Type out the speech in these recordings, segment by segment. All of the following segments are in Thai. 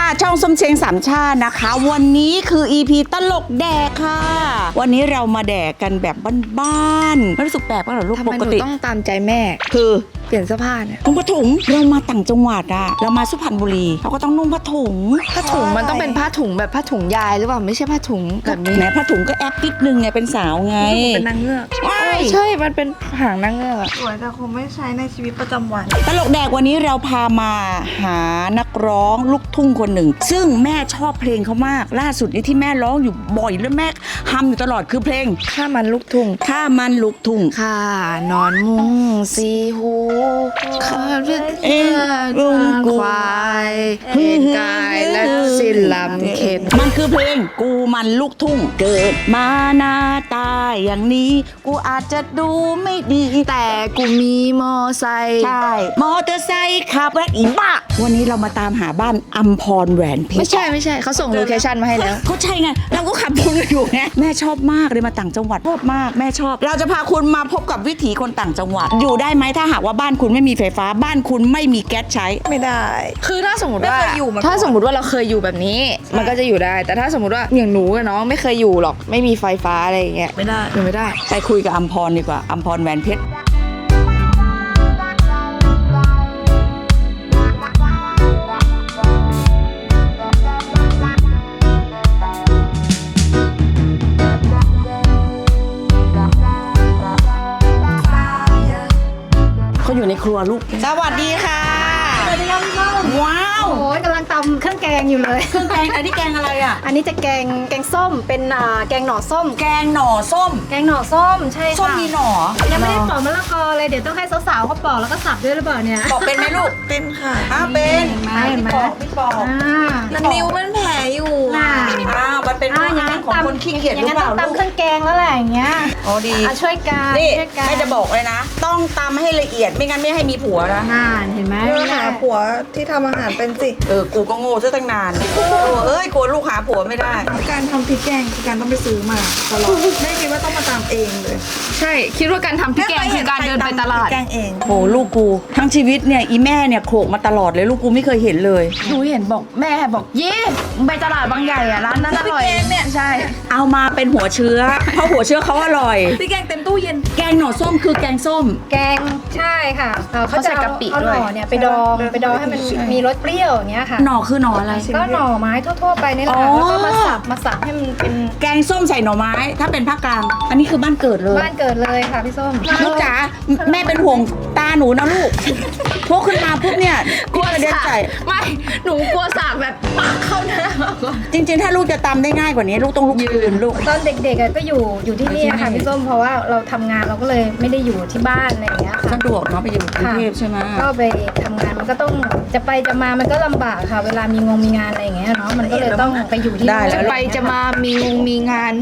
ช่องส้มเชงสามชาตินะคะวันนี้คือ EP ตลกแดกค่ะวันนี้เรามาแดกกันแบบบ้านๆไม่รู้สึกแปลกป่ะเหรอลูกปกติต้องตามใจแม่คือเปลี่ยนเสื้อผ้าเนี่ยนุ่งผ้าถุงเรามาต่างจังหวัดอะเรามาสุพรรณบุรีเราก็ต้องนุ่งผ้าถุงมันต้องเป็นผ้าถุงแบบผ้าถุงยายหรือเปล่าไม่ใช่ผ้าถุงแบบนี้แหมผ้าถุงก็แอปนิดนึงไงเป็นสาวไงเป็นนางเงือกใช่มันเป็นหางนางเงือกสวยแต่คงไม่ใช้ในชีวิตประจำวันตลกแดกวันนี้เราพามาหานักร้องลูกทุ่งคนหนึ่งซึ่งแม่ชอบเพลงเขามากล่าสุดนี้ที่แม่ร้องอยู่บ่อยแล้วแม่ฮัมอยู่ตลอดคือเพลงข้ามันลูกทุ่งข้ามันลูกทุ่งข้านอนมุ้งสีหูข้าเลือดลุงควายเห็นกายและสิ้นลำเข็นมันคือเพลงกูมันลูกทุ่งเกิดมาหน้าตาอย่างนี้กูอาจจะดูไม่ดีแต่กูมีมอไซค์ใช่มอเตอร์ไซค์ขับแวะอีบ้าวันนี้เรามาตามหาบ้านอัมพรแหวนเพชรไม่ใช่เขาส่งโลเคชั่นมาให้แล้วเขาใช่ไงเราก็ขับวนอยู่ไงแม่ชอบมากเลยมาต่างจังหวัดชอบมากแม่ชอบเราจะพาคุณมาพบกับวิถีคนต่างจังหวัดอยู่ได้ไหมถ้าหากว่าบ้านคุณไม่มีไฟฟ้าบ้านคุณไม่มีแก๊สใช้ไม่ได้คือถ้าสมมติว่าเราเคยอยู่แบบนี้มันก็จะอยู่ได้แต่ถ้าสมมติว่าอย่างหนูกับน้องไม่เคยอยู่หรอกไม่มีไฟฟ้าอะไรอย่างเงี้ยไม่ได้ไปคุยกับอัมพรดีกว่าอัมพรแหวนเพชรเขาอยู่ในครัวลูกสวัสดีค่ะสวัสดีครับพี่ส้มว้าวโอ้ยกำลังตำเครื่องแกงอยู่เลยเครื่องแกงอันนี้แกงอะไรอ่ะอันนี้จะแกงส้มเป็นแกงหน่อส้มแกงหน่อส้มแกงหน่อส้มใช่ค่ะส้มมีหน่อยังไม่ได้ปอกมะละกอเลยเดี๋ยวต้องให้สาวๆเขาปอกแล้วก็สับด้วยหรือเปล่าเนี่ยปอกเป็นไหมลูกเป็นค่ะเป็นเห็นไหมพี่ปอกนิ้วมันแผลอยู่มันเป็นอาหารของคนขี้เกียจหรือเปล่าลูกตำเครื่องแกงแล้วแหละอย่างเงี้ยอ๋อดีช่วยกันนี่ไม่จะบอกเลยนะต้องตำให้ละเอียดไม่งั้นไม่ให้มีผัวนะเห็นไหมหาผัวที่ทำอาหารเป็นสิกูก็โง่ซะตั้งนานกลัวลูกหาผัวไม่ได้การทำพริกแกงคือการต้องไปซื้อมาตลอดไม่คิดว่าต้องมาตำเองเลยใช่คิดว่าการทำพริกแกงคือการเดินไปตลาดแกงเองโหลูกกูทั้งชีวิตเนี่ยอีแม่เนี่ยโขกมาตลอดเลยลูกกูไม่เคยเห็นเลยหนูเห็นบอกแม่บอกเย่ไปตลาดบางใหญ่อะร้านนั้นอร่อยเนี่ยใช่เอามาเป็นหัวเชื้อเพราะหัวเชื้อเขาอร่อยพริกแกงเต็มตู้เย็นแกงหน่อส้มคือแกงส้มแกงใช่ค่ะเขาจะเอาหน่อเนี่ยไปดองให้มันมีรสเปรี้ยวอย่างเงี้ยค่ะหน่อคือหน่ออะไรก็หน่อไม้ทั่วๆไปนี่แหละแล้วก็มาสับให้มันเป็นแกงส้มใส่หน่อไม้ถ้าเป็นภาคกลางอันนี้คือบ้านเกิดเลยบ้านเกิดเลยค่ะพี่ส้มลูกจ๋าแม่เป็นห่วงตาหนูนะลูกพกขึ้นมาปุ๊บเนี่ยกลัวเด็กใส่ไม่หนูกลัวสากแบบปากเข้าหน้าจริงๆถ้าลูกจะตำได้ง่ายกว่านี้ลูกต้องลุกยืนลูกตอนเด็กๆก็อยู่ที่นี่ค่ะพี่ส้มเพราะว่าเราทำงานเราก็เลยไม่ได้อยู่ที่บ้านอะไรอย่างเงี้ยค่ะสะดวกเนาะไปอยู่กรุงเทพใช่ไหมก็ไปทำงานมันก็ต้องจะไปจะมามันก็ลำบากค่ะเวลามีงานอะไรอย่างเงี้ยเนาะมันก็เลยต้องไปอยู่ที่ได้จะไปจะมามีงาน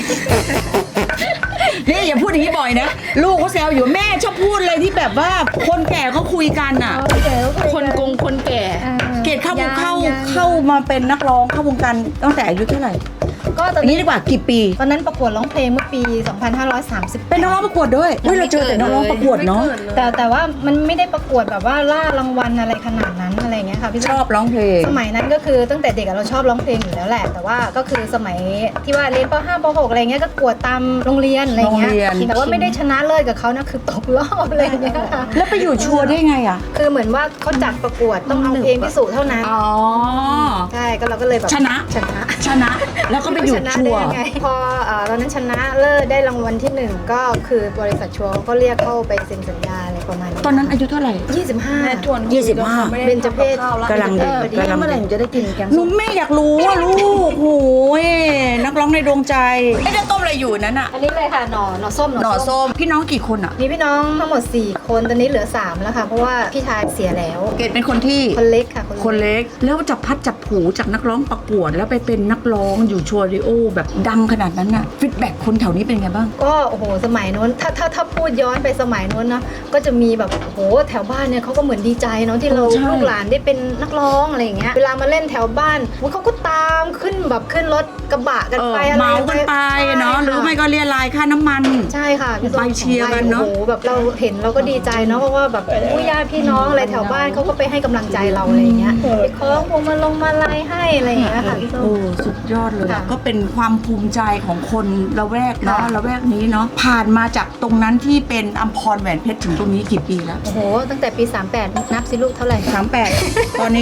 นี่อย่าพูดอย่างนี้บ่อยนะลูกเขาแซวอยู่แม่ชอบพูดเลยที่แบบว่าคนแก่เขาคุยกันอ่ะคนแก่เกดเข้ามาเป็นนักร้องเข้าวงการตั้งแต่อายุเท่าไหร่ก็ตอนนี้ดีกว่ากี่ปีตอนนั้นประกวดร้องเพลงเมื่อปี 2530 เป็นนักร้องประกวดด้วยเราเจอแต่นักร้องประกวดเนาะแต่ว่ามันไม่ได้ประกวดแบบว่าล่ารางวัลอะไรขนาดนั้นอะไรเงี้ยค่ะพี่ชอบร้องเพลงสมัยนั้นก็คือตั้งแต่เด็กเราชอบร้องเพลงอยู่แล้วแหละแต่ว่าก็คือสมัยที่ว่าเรียนป .5 ป .6 อะไรเงี้ยก็ประกวดตามโรงเรียนอะไรเงี้ยแต่ว่าไม่ได้ชนะเลิศกับเขานะคือตกรอบอะไรเงี้ยค่ะแล้วไปอยู่ชัวร์ได้ไงอ่ะคือเหมือนว่าเขาจัดประกวดต้องเอาเพลงพิสูจน์เท่านั้นใช่ก็เราก็เลยแบบชนะแล้วก็ไปอยู่ชัวร์พอตอนนั้นชนะเลิศได้รางวัลที่1ก็คือบริษัทชัวร์ก็เรียกเข้าไปเซ็นสัญญาอะไรประมาณนี้ตอนนั้นอายุเท่าไหร่ 25เบญจเพศกำลังดีเมื่อไหร่จะได้กินแกงส้มแม่อยากรู้ว่าลูกโหยนักร้องในดวงใจไม่ได้ต้มอะไรอยู่นั้นอ่ะอันนี้เลยค่ะหน่อส้มพี่น้องกี่คนอ่ะมีพี่น้องทั้งหมด4คนตอนนี้เหลือ3แล้วค่ะเพราะว่าพี่ชายเสียแล้วเกดเป็นคนที่คนเล็กค่ะคนเล็กแล้วจับพัดจับผูจากนักร้องประกวดแล้วไปเป็นนักร้องอยู่ชัวร์ดิโอแบบดังขนาดนั้นน่ะฟีดแบ็กคนแถวนี้เป็นไงบ้างก็โอ้โหสมัยนู้นถ้าพูดย้อนไปสมัยนู้นนะก็จะมีแบบโอ้โหแถวบ้านเนี่ยเขาก็เหมือนดีใจเนาะที่เราลูกหลานได้เป็นนักร้องอะไรอย่างเงี้ยเวลามาเล่นแถวบ้านเขาก็ตามขึ้นรถกระบะกันไปอะไรเมากันไปเนาะหรือไม่ก็เรียรายค่าน้ำมันใช่ค่ะพี่ส้มไปเชียร์กันเนอะโอ้โหแบบเราเห็นเราก็ดีใจเนาะเพราะว่าแบบผู้ญาติพี่น้องอะไรแถวบ้านเขาก็ไปให้กำลังใจเราอะไรอย่างเงี้ยไปคล้องพวงมาลัยให้อะไรอย่างเงี้ยค่ะพี่ส้มโอ้สุดยอดเลยค่ะก็เป็นความภูมิใจของคนละแวกเนาะค่ะละแวกนี้เนาะผ่านมาจากตรงนั้นที่เป็นอัมพรแหวนเพชรถึงตรงนี้กี่ปีแล้วโอ้โหตั้งแต่ปี 38 นับสิลูกเท่าไหร่ 38 ตอนนี้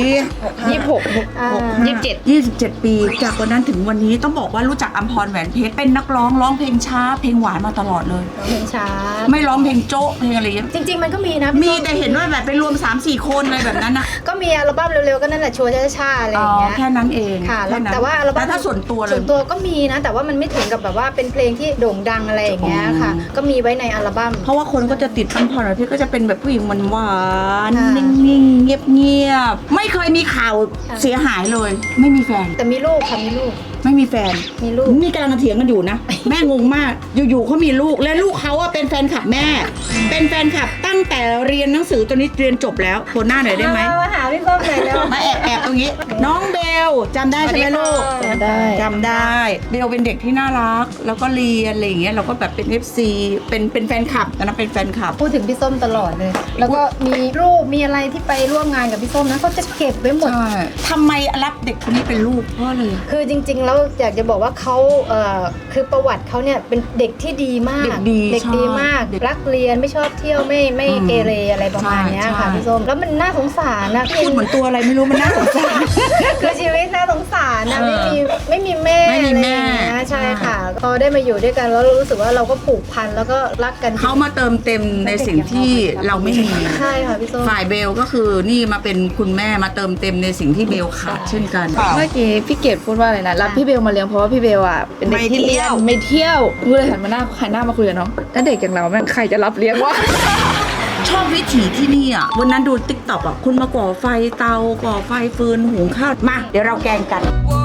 26 อ่า 27 27 ปีจากวันนั้นถึงวันนี้ต้องบอกว่ารู้จักอัมพรแหวนเพชรเป็นนักร้องเพลงช้าเพลงหวานมาตลอดเลยร้องเพลงช้าไม่ร้องเพลงโจ๊ะเพลงอะไรอย่างเงี้ยจริง ๆ มันก็มีนะพี่มีส้แต่เห็นว่าแบบไปรวม 3-4 คนอะไรแบบนั้นนะก็มีอัลบั้มเร็วๆก็นั่นแหละชัวร์ช้าๆอะไรอย่างเงี้ยแค่นั้นเองค่ะค่นั้นแต่ว่าอัลบั้มแต่ถ้าส่วนตัวเลยส่วนตัวก็มีนะ แต่ว่ามันไม่ถึงกับแบบว่าเป็นเพลงที่โด่งดังอะไรอย่างเงี้ยค่ะอ๋อก็มีไว้ในอัลบั้มเพราะว่าคนก็จะติดอัมพรแหวนเพชรก็จะเป็นแบบผู้หญิงหวานค่ะๆนิ่งๆเงียบๆไม่เคยมีข่าวค่ะเสียหายเลย ไม่มีแฟนแต่มีลูกค่ะมีลูกไม่มีแฟนมีลูกนี่กำลังเถียงกันอยู่นะ แม่งงมาก อยู่ๆเขามีลูกและลูกเขาอะเป็นแฟนคลับแม่ เป็นแฟนคลับตั้งแต่เรียนหนังสือตอนนี้เรียนจบแล้วโคนหน้าหน่อยได้ไหมมาหาพี่ส้มหน่อยเร็วมาแอบตรงนี้ น้องเบลจำได้ใช่ไหมลูกสวัสดีค่ะได้จำได้เบลเป็นเด็กที่น่ารัก แล้วก็เรียนอะไรอย่างเงี้ยเราก็แบบเป็น FC เป็นแฟนคลับตอนนั้นเป็นแฟนคลับพูดถึงพี่ส้มตลอดเลย แล้วก็มีรูปมีอะไรที่ไปร่วมงานกับพี่ส้มนะเขาจะเก็บไว้หมดใช่ทำไมรับเด็กคนนี้เป็นลูกเพราะอะไรอะคือจริงๆ แล้วอยากจะบอกว่าเขาคือประวัติเขาเนี่ยเป็นเด็กที่ดีมากเด็กดีเด็กดีมากใช่รักเรียนไม่ชอบเที่ยวไม่อืมเกเรอะไรประมาณเนี้ยใช่ค่ะใช่พี่ส้มแล้วมันน่าสงสารนะพูดเหมือนตัวอะไรไม่รู้มันน่าสงสารคือชีวิตน่าสงสารนะเออไม่มีแม่ไม่มีอะไรแม่อย่างเงี้ยใช่ค่ะพอได้มาอยู่ด้วยกันแล้วรู้สึกว่าเราก็ผูกพันแล้วก็รักกันเขามาเติมเต็มในสิ่งที่เราไม่มีใช่ค่ะพี่ส้มฝ่ายเบลก็คือนี่มาเป็นคุณแม่มาเติมเต็มในสิ่งที่เบลขาดเช่นกันเมื่อกี้พี่เกดพูดว่าอะไรนะรับพี่เบลมาเลี้ยงเพราะว่าพี่เบลอ่ะเป็นเด็กที่ไม่เที่เรียยนวไม่เที่ยวกูเลยหันมาหน้ามาคุยกับน้องถ้าเด็กอย่างเราแม่งใครจะรับเลี้ยงวะชอบวิถีที่นี่อ่ะวันนั้นดูติ๊กต็อกอ่ะคุณมาก่อไฟเตาก่อไฟฟืนหุงข้าวมาเดี๋ยวเราแกงกัน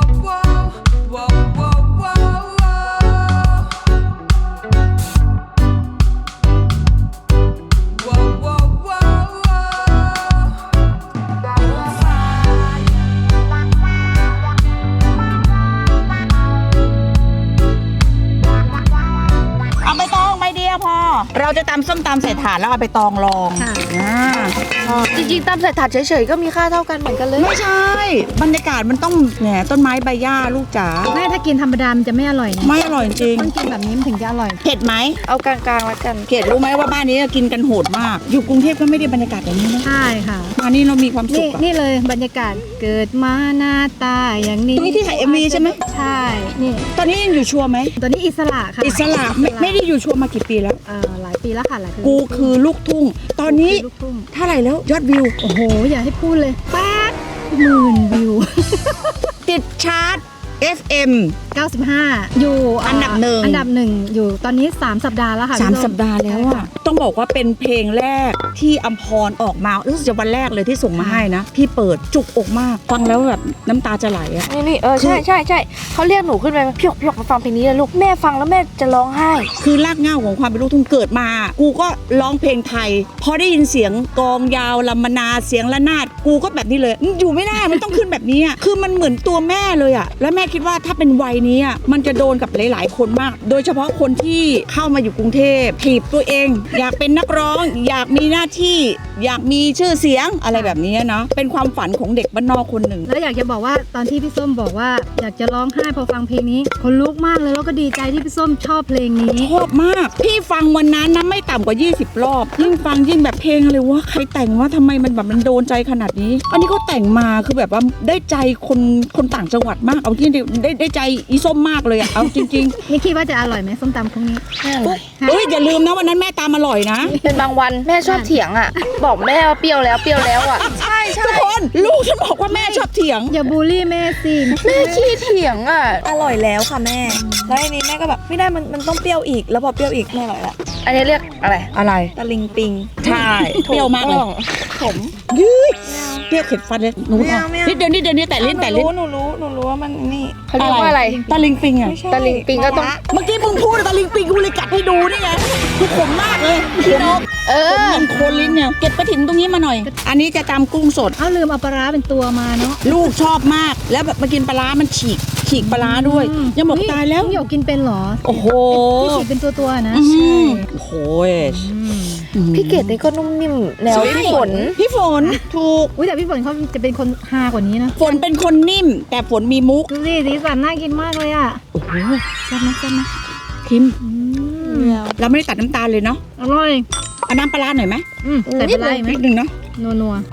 เอาไปตองใบเดียวพอ เราจะตำส้มตำใส่ถาดแล้วเอาไปตองรองค่ะจริงๆตามใส่ถาดเฉยๆก็มีค่าเท่ากันเหมือนกันเลยไม่ใช่ บรรยากาศมันต้องแหนต้นไม้ใบหญ้าลูกจ๋าแม่ถ้ากินธรรมดามันจะไม่อร่อยนะไม่อร่อยจริงต้องกินแบบนี้มันถึงจะอร่อยเผ็ดไหมเอากลางๆแล้วกันเขตรู้ไหมว่าบ้านนี้กินกันโหดมาก อยู่กรุงเทพก็ไม่ได้บรรยากาศแบบนี้นะใช่ค่ะมานี่เรามีความสุนี่ขอะนี่เลยบรรยากาศเกิดมาหน้าตาอย่างนี้ตรงนี้ที่ถ่าย MV ใช่ไหมใช่นี่ตอนนี้ยังอยู่ชัวร์ไหมตัวนี้อิสระค่ะอิสระไม่ได้อยู่ชัวร์มากี่ปีแล้วหลายปีแล้วค่ะหลายปีกูคือลูกทุ่ง ตอนนี้ลูกทุ่งเท่าไหร่แล้วยอดวิวโอ้โห อย่าให้พูดเลย80,000 วิวติดชาร์ต FM 95 อยู่อันดับหนึ่งอันดับหนึ่งอยู่ตอนนี้ 3 สัปดาห์แล้วค่ะ 3 พี่ส้สัปดาห์แล้วอ่ะ ต้องบอกว่าเป็นเพลงแรกที่อัมพรออกมารู้สึกจะวันแรกเลยที่ส่งมาให้นะ พี่เปิดจุกอกมาก ฟังแล้วแบบน้ำตาจะไหลอ่ะนี่ใช่เขาเรียกหนูขึ้นไปพี่หยกมาฟังเพลงนี้เลยลูกแม่ฟังแล้วแม่จะร้องไห้คือรากเหง้าของความเป็นลูกทุ่งเกิดมา กูก็ร้องเพลงไทย พอได้ยินเสียงกลองยาวลำมนาเสียงระนาด กูก็แบบนี้เลยอยู่ไม่ได้ มันต้องขึ้นแบบนี้อ่ะ คือมันเหมือนตัวแม่เลยอ่ะ แล้วแม่คิดว่าถ้าเป็นวัยนี้อ่ะ มันจะโดนกับหลายๆคนมาก โดยเฉพาะคนที่เข้ามาอยู่กรุงเทพถีบตัวเอง อยากเป็นนักร้อง อยากมีหน้าที่ อยากมีชื่อเสียงอะไรแบบนี้เนาะ เป็นความฝันของเด็กบ้านนอกคนหนึ่งแล้วอยากจะบอกว่าตอนที่พี่ส้มบอกว่าอยากจะร้องไห้พอฟังเพลงนี้คนลุกมากเลยแล้วก็ดีใจที่พี่ส้มชอบเพลงนี้ชอบมาก พี่ฟังวันนั้นนะไม่ต่ำกว่า 20 รอบ ยิ่งฟังยิ่งแบบเพลงอะไรวะใครแต่งว่าทำไมมันแบบมันโดนใจขนาดนี้ อันนี้เขาแต่งมาคือแบบว่าได้ใจคนต่างจังหวัดมาก เอาที่ได้ใจอีส้มมากเลยอะเอาจริงนี่คิดว่าจะอร่อยไหมส้มตำพวกนี้ๆเฮ้ยอย่าลืมนะวันนั้นแม่ตามอร่อยนะเป็นบางวันแม่ชอบเถียงอ่ะ บอกแม่ว่าเปรี้ยวแล้วอ่ะใช่ทุกคนลูกฉันบอกว่าแม่ชอบเถียงอย่าบูลลี่แม่สิแม่ขี้เถียงอ่ะอร่อยแล้วค่ะแม่ แล้วทีนี้แม่ก็แบบไม่ได้มันต้องเปรี้ยวอีก แล้วพอเปรี้ยวอีกไม่อร่อยละอันนี้เรียกอะไรอะไรตะลิงปิงใช่เปรี้ยวมากเลยผมยืดเปรี้ยวเข็ดฟันเลยหนูไม่เอาเอาไม่เอานิดเดียวนี่แต่ลิ้นหนูรู้ว่ามันนี่เขาเรียกว่าอะไรตะลิงปิงอะไม่ใช่ตะลิงปิงก็ต้องเมื่อกี้มึงพูดตะลิงปิงกูเลยกัดให้ดูนี่ไงคือขมมากเลยพี่นกเอผมอมันโคนลิ้นเนี่ยเก็บกระถิ่นตรงนี้มาหน่อย อันนี้จะตำกุ้งสดเอาลืมเอาปลาร้าเป็นตัวมาเนาะลูกชอบมาก แล้วแบบมากินปลาร้ามันฉีกฉีกปลาร้าด้วย ยังบอกตายแล้วน้องหยกกินเป็นเหรอโอ้โหที่ฉีกเป็นตัวๆนะโอ้โหพี่เกดนี่ก็นุ่มนิ่มแนวพี่ฝนพี่ฝนถูกอุ้ยแต่พี่ฝนเขาจะเป็นคนฮากว่านี้นะฝนเป็นคนนิ่ม แต่ฝนมีมุกดูสิสีสันน่ากินมากเลยอ่ะโอ้โหแซ่บไหมแซ่บไหมคิมเราไม่ได้ตัดน้ำตาลเลยเนาะอร่อยเอาน้ำปลาร้าหน่อยไหมแต่เป็นไรไหมนิดนึงเนาะนัว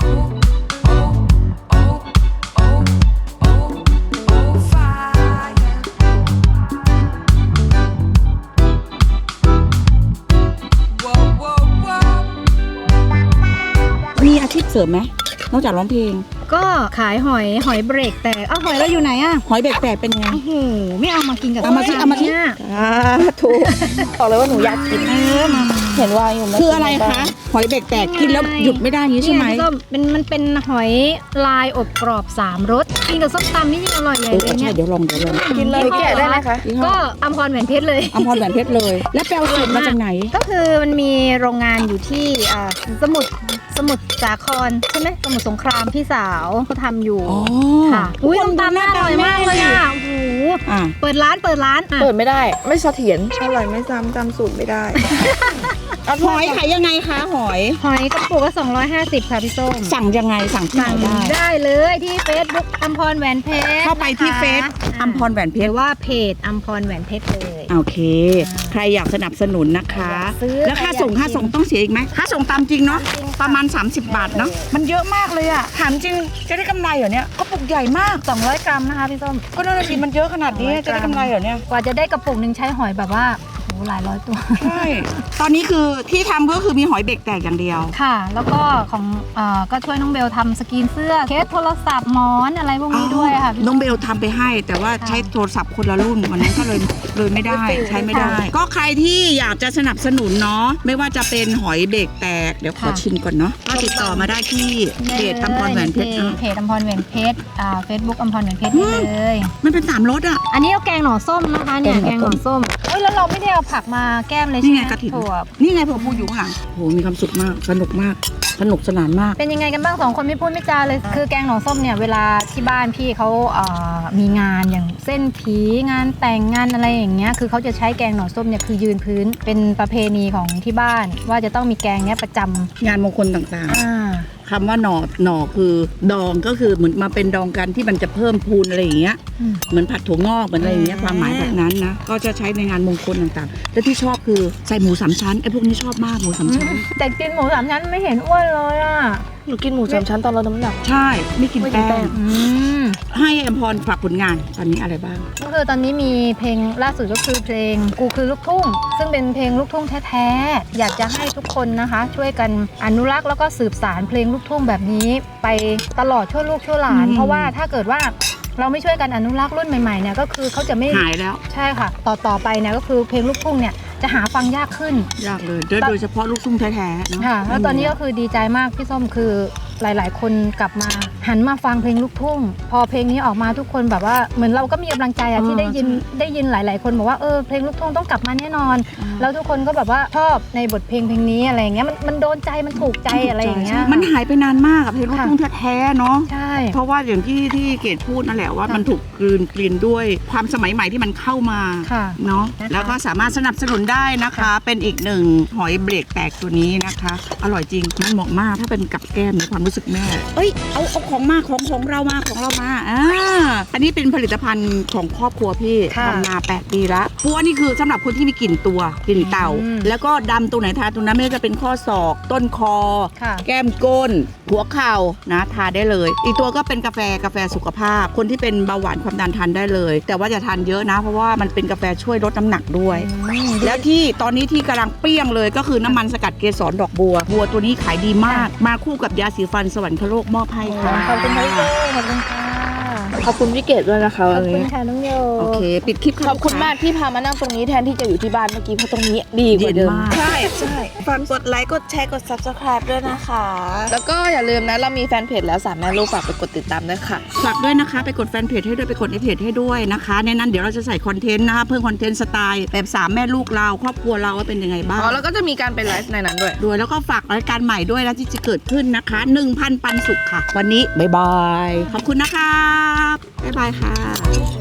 มีอาชีพเสริมไหมนอกจากร้องเพลงก็ขายหอยเบรกแต่หอยเราอยู่ไหนอ่ะหอยแบกๆเป็นไงโอ้โหไม่เอามากินกับเอามาสิเอามาสิเนี่ยถูกบอกเลยว่าหนูอยากกินมาเห็นว่าอยู่ม่คืออะไรคะ หอยแบกๆกินแล้วหยุดไม่ได้อย่างนี้ใช่ไหมเนี่ยพี่ส้มมันเป็นหอยลายอบกรอบ3รสกินกับส้มตำนี่ยิ่งอร่อยใหญ่เลยใช่เนี่ยเดี๋ยวลองกินเลยแกะได้ไหมคะก็อัมพรแหวนเพชรเลยอำพรแหวนเพชรเลย แล้วแปลสูตรมาจากไหนก็คือมันมีโรงงานอยู่ที่สมุทรสาครใช่ไหมสมุทรสงครามพี่สาวเขาทำอยู่อ๋อค่ะอุ้ยน้ำตาลน่าอร่อยมากเลยอ่ะโอ้โหอ่ะเปิดร้านอ่ะเปิดไม่ได้ ไม่เสถียรอร่อยไม่ซ้ำจำสูตรไม่ได้หอยขายยังไงคะหอยหอยกระปุกละ250ค่ะพี่ส้มสั่งยังไงสั่งที่ไหนสั่งได้ได้เลยที่ Facebook อัมพรแหวนเพชรเข้าไปที่เฟซนะคะอัมพรแหวนเพหชรืรอว่าเพจอัมพรแหวนเพชรเลยโอเค ใครอยากสนับสนุนนะคะอยากซื้อแล้วค่าส่งใครอยากค่าส่งต้องเสียอีกไหมค่าส่งตามจริงเนาะจริงค่ะประมาณ 30 บาทเนาะมันเยอะมากเลยอะถามจริงจะได้กำไรเหรอเนี่ยก็ปุกใหญ่มาก 200 กรัมนะคะพี่ส้มก็น่าจะดีมันเยอะขนาดนี้จะได้กำไรเหรอเนี่ยกว่าจะได้กระปุกหนึ่งใช้หอยแบบว่าโอ้โหหลายร้อยตัวใช่ตอนนี้คือที่ทำก็คือมีหอยเบรกแตกอย่างเดียวค่ะ แล้วก็ของก็ช่วยน้องเบลทำสกรีนเสื้อเคสโทรศัพท์หมอนอะไรพวกนี้ด้วยค่ะพี่น้องเบลทำไปให้ แต่ว่าใช้โทรศัพท์คนละรุ่นวันนั้นก็เลยไม่ได้ใช้ไม่ได้ ก็ใครที่อยากจะสนับสนุนเนาะไม่ว่าจะเป็นหอยเบรกแตกเดี๋ยวขอชิมก่อนเนาะก็ติดต่อมาได้ที่เพจอัมพรแหวนเพชรเพจอัมพรแหวนเพชรเฟซบุ๊กอัมพรแหวนเพชรได้เลยมันเป็น3รสอ่ะอันนี้เอาแกงหน่อส้มนะคะเนี่ยแกงหน่อส้มเอ้ยแล้วเราไม่ได้เอาผักมาแก้มเลยใช่นี่ไหมไงกระถิ่นถั่วนี่ไงเผื่อพูอยู่ข้างหลังโหมีความสุขมากสนุกมากสนุกสนานมากเป็นยังไงกันบ้าง2คนไม่พูดไม่จาเลยคือแกงหน่อส้มเนี่ยเวลาที่บ้านพี่เขามีงานอย่างเส้นผีงานแต่งงานอะไรอย่างเงี้ยคือเขาจะใช้แกงหน่อส้มเนี่ยคือยืนพื้นเป็นประเพณีของที่บ้าน ว่าจะต้องมีแกงเนี้ยประจำงานมงคลต่างอ่าๆคำว่าหน่อคือดองก็คือเหมือนมาเป็นดองกันที่มันจะเพิ่มพูนอะไรอย่างเงี้ยอืมเหมือนผัดถั่วงอกเหมือนอะไรอย่างเงี้ยความหมายแบบนั้นนะก็จะใช้ในงานมงคลต่างๆและที่ชอบคือใส่หมูสามชั้นไอ้พวกนี้ชอบมากหมูสามชั้นแต่กินหมูสามชั้นไม่เห็นอ้วนเลยอ่ะหนูกินหมูสามชั้นตอนลดน้ำหนักใช่ไม่กินแป้งอืมให้อัมพรฝากผลงานตอนนี้อะไรบ้างก็คือตอนนี้มีเพลงล่าสุดก็คือเพลงกูคือลูกทุ่ง ซึ่งเป็นเพลงลูกทุ่งแท้ๆอยากจะให้ทุกคนนะคะ ช่วยกันอนุรักษ์แล้วก็สืบสานเพลงลูกทุ่งแบบนี้ไปตลอดชั่วลูกชั่วหลาน เพราะว่าถ้าเกิดว่าเราไม่ช่วยกันอนุรักษ์รุ่นใหม่ๆเนี่ยก็คือเขาจะไม่หายแล้วใช่ค่ะ ต่อไปเนี่ยก็คือเพลงลูกทุ่งเนี่ยจะหาฟังยากขึ้นยากเลยโดยเฉพาะลูกทุ่งแท้ๆเนอะค่ะแล้วตอนนี้ก็คือดีใจมากพี่ส้มคือหลายๆ คนกลับมาหันมาฟังเพลงลูกทุ่ง พอเพลงนี้ออกมาทุกคนแบบว่าเหมือนเราก็มีกำลังใจอะที่ได้ยินหลาย ๆ คนบอกว่าเพลงลูกทุ่งต้องกลับมาแน่นอน แล้วทุกคนก็แบบว่าชอบในบทเพลงนี้อะไรอย่างเงี้ยมันโดนใจมันถูกใจอะไรอย่างเงี้ยมันหายไปนานมากกับเพลงลูกทุ่งแท้ๆเนาะใช่เพราะว่าอย่างที่เกดพูดนั่นแหละว่ามันถูกกลืนด้วยความสมัยใหม่ที่มันเข้ามาค่ะเนาะนะคะแล้วก็สามารถสนับสนุนได้นะคะ เป็นอีกหนึ่งหอยเบรกแตกตัวนี้นะคะ อร่อยจริงมันเหมาะมากถ้าเป็นกับแก้มในความรู้สึกแม่เอ้ยเอาของมาของเรามาอันนี้เป็นผลิตภัณฑ์ของครอบครัวพี่ค่ะทำมา8 ปีละเพราะว่านี่คือสำหรับคนที่มีกลิ่นกลิ่นเต่าอืมแล้วก็ดำตรงไหนทาตรงนั้นไม่ว่าจะเป็นข้อศอกต้นคอค่ะแก้มก้น หัวเข่านะทานได้เลย อีกตัวก็เป็นกาแฟสุขภาพ คนที่เป็นเบาหวานความดันทานได้เลย แต่ว่าจะทานเยอะนะ เพราะว่ามันเป็นกาแฟช่วยลดน้ำหนักด้วย แล้วที่ตอนนี้ที่กำลังเปรี้ยงเลยก็คือน้ำมันสกัดเกสรดอกบัวตัวนี้ขายดีมาก มาคู่กับยาสีฟันสวรรคโลกมอบให้ค่ะขอบคุณค่ะพี่โจขอบคุณค่ะขอบคุณพี่เกดด้วยนะคะขอวับนคุณนี้ค่ะน้องโยโอเค ปิดคลิปขอบคุณมากที่พามานั่งตรงนี้แทนที่จะอยู่ที่บ้านเมื่อกี้เพราะตรงนี้ดีกว่าเดิมใช่ฝากกดไลค์กดแชร์กด subscribe ด้วยนะคะแล้วก็อย่าลืมนะเรามีแฟนเพจแล้ว3แม่ลูกฝากไปกดติดตามด้วยค่ะฝากด้วยนะคะ ไปกดแฟนเพจให้ด้วยไปกดในเพจให้ด้วยนะคะในนั้นเดี๋ยวเราจะใส่คอนเทนต์นะคะเพิ่มคอนเทนต์สไตล์แบบ3แม่ลูกเราครอบครัวเราว่าเป็นยังไงบ้างอ๋อแล้วก็จะมีการไปไลฟ์ในนั้นด้วยด้วยแล้วก็ฝากรายการใหม่ด้วยนะที่จะเกิดขึ้นนะคะ 1,000 ปันสุขค่ะ วันนี้บ๊ายบาย ขอบคุณนะครับ บ๊ายบายค่ะ